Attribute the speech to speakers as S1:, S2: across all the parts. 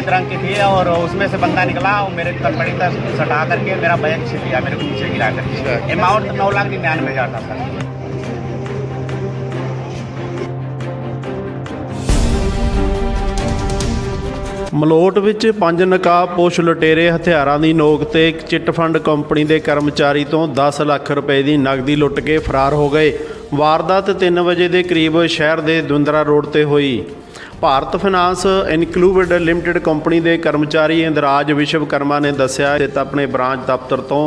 S1: सफ़ेद रंग की थी और उसमें से बंदा निकला और मेरे तलपड़ी तक सटा करके मेरा बैग छीन लिया, मेरे को नीचे गिरा कर। अमाउंट 9,99,000 था सर।
S2: ਮਲੋਟ ਵਿੱਚ 5 ਨਕਾਬਪੋਸ਼ ਲੁਟੇਰੇ ਹਥਿਆਰਾਂ ਦੀ ਨੋਕ ਤੇ ਇੱਕ ਚਿੱਟ ਫੰਡ ਕੰਪਨੀ ਦੇ ਕਰਮਚਾਰੀ ਤੋਂ 10 ਲੱਖ ਰੁਪਏ ਦੀ ਨਕਦੀ ਲੁੱਟ ਕੇ ਫਰਾਰ ਹੋ ਗਏ। ਵਾਰਦਾਤ 3 ਵਜੇ ਦੇ ਕਰੀਬ ਸ਼ਹਿਰ ਦੇ ਦੁੰਦਰਾ ਰੋਡ ਤੇ ਹੋਈ। Bharat finance included limited company ਦੇ ਕਰਮਚਾਰੀ ਇੰਦਰਾਜ ਵਿਸ਼ਵਕਰਮਾ ਨੇ ਦੱਸਿਆ ਕਿ ਆਪਣੇ ਬ੍ਰਾਂਚ ਦਫ਼ਤਰ ਤੋਂ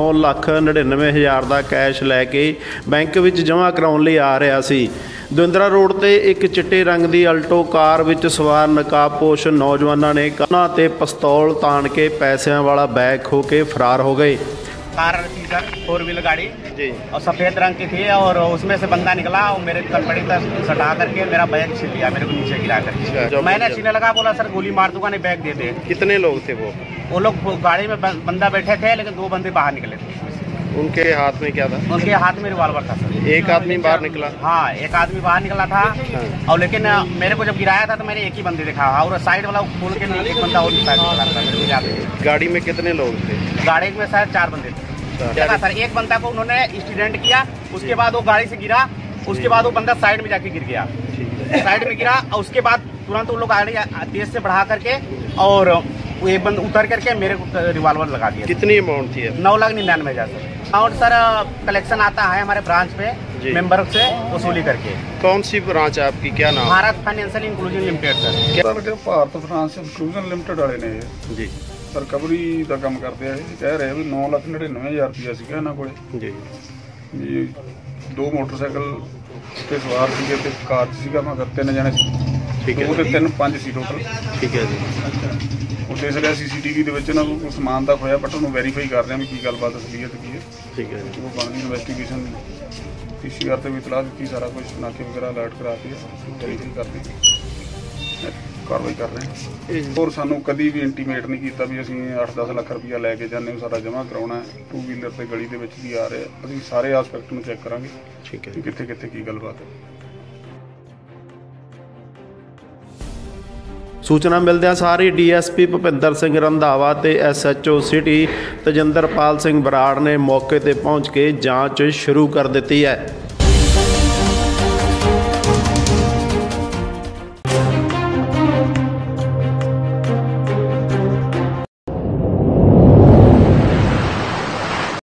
S2: 9,99,000 ਦਾ ਕੈਸ਼ ਲੈ ਕੇ ਬੈਂਕ ਵਿੱਚ ਜਮ੍ਹਾਂ ਕਰਾਉਣ ਲਈ ਆ ਰਿਹਾ ਸੀ। ਦੁੰਦਰਾ ਰੋਡ ਤੇ ਇੱਕ ਚਿੱਟੇ ਰੰਗ ਦੀ ਅਲਟੋ ਕਾਰ ਵਿੱਚ ਸਵਾਰ ਨਕਾਬਪੋਸ਼ ਨੌਜਵਾਨਾਂ ਨੇ ਕੰਨਾਂ ਤੇ ਪਿਸਤੌਲ ਤਾਣ ਕੇ ਪੈਸਿਆਂ ਵਾਲਾ ਬੈਗ ਖੋ ਕੇ ਫਰਾਰ ਹੋ गए।
S1: कार थी सर, 4 व्हीलर गाड़ी
S2: जी,
S1: और सफ़ेद रंग की थी और उसमें से बंदा निकला और मेरे तलपड़ी तक सटा करके मेरा बैग छीन लिया, मेरे को नीचे गिरा कर। मैंने छीनने लगा, बोला सर गोली मार दूंगा, नहीं बैग दे दे।
S2: कितने लोग थे
S1: वो लोग गाड़ी में बंदा बैठे थे, लेकिन 2 बंदे बाहर निकले थे।
S2: उनके हाथ में क्या था?
S1: उनके हाथ में रिवॉल्वर था सर।
S2: एक आदमी बाहर निकला?
S1: हाँ, एक आदमी बाहर निकला था। और लेकिन मेरे को जब गिराया था तो मैंने एक ही बंदे देखा और साइड वाला खोल के एक बंदा और निकला था।
S2: गाड़ी में कितने लोग थे?
S1: गाड़ी में शायद 4 बंदे थे सर। एक बंदा को उन्होंने एक्सीडेंट किया, उसके बाद वो गाड़ी से गिरा, उसके बाद वो बंदा साइड में जाके गिर गया, साइड में गिरा और उसके बाद तुरंत वो लोग गाड़ी तेज से बढ़ा करके और वो एक बंदा उतर करके मेरे को रिवॉल्वर लगा दिया।
S2: कितनी अमाउंट थी?
S1: 9,99,000 सर। अमाउंट सर कलेक्शन आता है हमारे ब्रांच पे, मेंबर से वसूली करके।
S2: कौन सी ब्रांच है आपकी, क्या नाम?
S1: Bharat financial inclusion limited sir.
S3: Bharat finance inclusion limited वाले ने
S2: जी
S3: ਰਿਕਵਰੀ ਦਾ ਕੰਮ ਕਰਦੇ ਆ। ਇਹ ਕਹਿ ਰਹੇ ਵੀ 9,99,000 ਰੁਪਇਆ ਸੀਗਾ ਇਹਨਾਂ ਕੋਲੇ
S2: ਜੀ।
S3: ਵੀ 2 ਮੋਟਰਸਾਈਕਲ ਤੇ ਸਵਾਰ ਸੀਗੇ ਤੇ ਕਾਰ 'ਚ ਸੀਗਾ ਮਗਰ 3 ਜਣੇ ਸੀ।
S2: ਠੀਕ ਹੈ।
S3: 2 ਤੇ 3 5 ਸੀ ਟੋਟਲ।
S2: ਠੀਕ ਹੈ ਜੀ।
S3: ਉਹ ਦੇਖ ਰਿਹਾ CCTV ਦੇ ਵਿੱਚ ਇਹਨਾਂ ਨੂੰ ਕੋਈ ਸਮਾਨ ਦਾ ਖੋਇਆ, ਬਟ ਉਹਨੂੰ ਵੈਰੀਫਾਈ ਕਰ ਰਹੇ ਆ ਵੀ ਕੀ ਗੱਲਬਾਤ ਅਸਲੀਅਤ ਕੀ ਹੈ।
S2: ਠੀਕ ਹੈ ਜੀ।
S3: ਉਹ ਬਣਦੀ ਇਨਵੈਸਟੀਗੇਸ਼ਨ PCR ਤੇ ਵੀ ਇਤਲਾਹ ਦਿੱਤੀ, ਸਾਰਾ ਕੁਝ ਨਾਕੇ ਵਗੈਰਾ ਅਲਰਟ ਕਰਾਤੀ ਹੈ, ਵੈਰੀਫਾਈ ਕਰਤੀ, ਕਾਰਵਾਈ ਕਰ ਰਹੇ ਹਾਂ। ਹੋਰ ਸਾਨੂੰ ਕਦੀ ਵੀ ਇੰਟੀਮੇਟ ਨਹੀਂ ਕੀਤਾ ਵੀ ਅਸੀਂ 8-10 ਲੱਖ ਰੁਪਇਆ ਲੈ ਕੇ ਜਾਂਦੇ ਹਾਂ, ਸਾਡਾ ਜਮ੍ਹਾਂ ਕਰਾਉਣਾ ਹੈ। 2 ਵੀਲਰ ਤੇ ਗਲੀ ਦੇ ਵਿੱਚ ਦੀ ਆ ਰਹੇ, ਅਸੀਂ ਸਾਰੇ ਆਸਪੈਕਟ ਨੂੰ ਚੈੱਕ ਕਰਾਂਗੇ।
S2: ਠੀਕ ਹੈ।
S3: ਕਿੱਥੇ ਕਿੱਥੇ ਕੀ ਗੱਲਬਾਤ ਹੈ।
S2: ਸੂਚਨਾ ਮਿਲਦਿਆਂ ਸਾਰੀ DSP ਭੁਪਿੰਦਰ ਸਿੰਘ ਰੰਧਾਵਾ ਤੇ SHO ਸਿਟੀ ਤਜਿੰਦਰਪਾਲ ਸਿੰਘ ਬਰਾੜ ਨੇ ਮੌਕੇ ਤੇ ਪਹੁੰਚ ਕੇ ਜਾਂਚ ਸ਼ੁਰੂ ਕਰ ਦਿੱਤੀ ਹੈ।